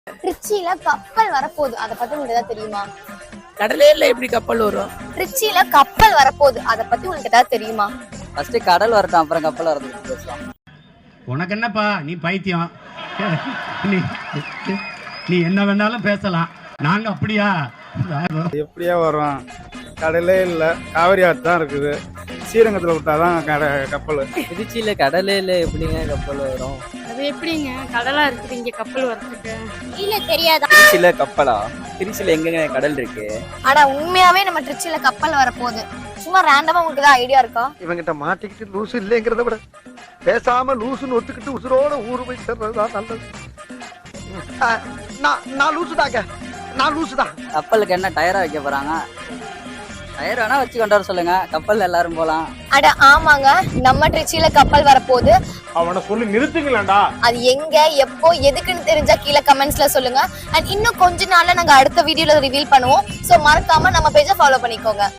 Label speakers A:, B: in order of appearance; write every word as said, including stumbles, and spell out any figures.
A: திருச்சியில கப்பல் வரப்போகுது, அத பத்தி உங்களுக்கு ஏதாவது தெரியுமா?
B: கடலேல எப்படி கப்பல் வரும்?
A: திருச்சியில கப்பல் வரப்போகுது, அத பத்தி உங்களுக்கு ஏதாவது தெரியுமா?
C: ஃபர்ஸ்ட் கடல் வரட்டும், அப்புறம் கப்பல் வரது பேசலாம்.
D: உனக்கு என்னப்பா, நீ பைத்தியம். நீ நீ என்ன வேணாலும் பேசலாம், நாங்க அப்படியா?
E: எப்படியா வரும்? கடலே இல்லை, காவிரி ஆறு தான் இருக்குது. ஸ்ரீரங்கத்தில் விட்டாதான் கட கப்பல்.
C: திருச்சியில கடலேல எப்படிங்க கப்பல் வரும்?
F: அது எப்படிங்க கடலா இருக்குது இங்க கப்பல் வரதுக்கு?
A: இல்ல தெரியாதா?
C: திருச்சியில கப்பலா? திருச்சியில எங்கங்க கடல் இருக்கு?
A: ஆனா உண்மையாவே நம்ம திருச்சியில கப்பல் வரப்போகுது. சும்மா ரேண்டமா உங்களுக்கு ஏதாவது ஐடியா இருக்கா?
G: இவங்கிட்ட மாட்டிக்கிட்டு லூசு இல்லைங்கிறத விட பேசாம லூசுன்னு ஒத்துக்கிட்டு உசுரோட ஊரு போய் சேர்றதுதான் நல்லது. நான் நான் லூசுதாங்க, நான் லூசுதான்.
C: கப்பலுக்கு என்ன டயரா வைக்க போறாங்க? டயர் வேணா வச்சு கொண்டு வர சொல்லுங்க, கப்பல் எல்லாரும் போலாம்.
A: அட ஆமாங்க, நம்ம திருச்சியில கப்பல் வரப்போகுது.
E: அவனை சொல்லி நிறுத்துங்களேன்டா.
A: அது எங்க, எப்போ, எதுக்குன்னு தெரிஞ்சா கீழே கமெண்ட்ஸ்ல சொல்லுங்க. அண்ட் இன்னும் கொஞ்ச நாள்ல நாங்க அடுத்த வீடியோல ரிவீல் பண்ணுவோம். சோ மறக்காம நம்ம பேஜை ஃபாலோ பண்ணிக்கோங்க.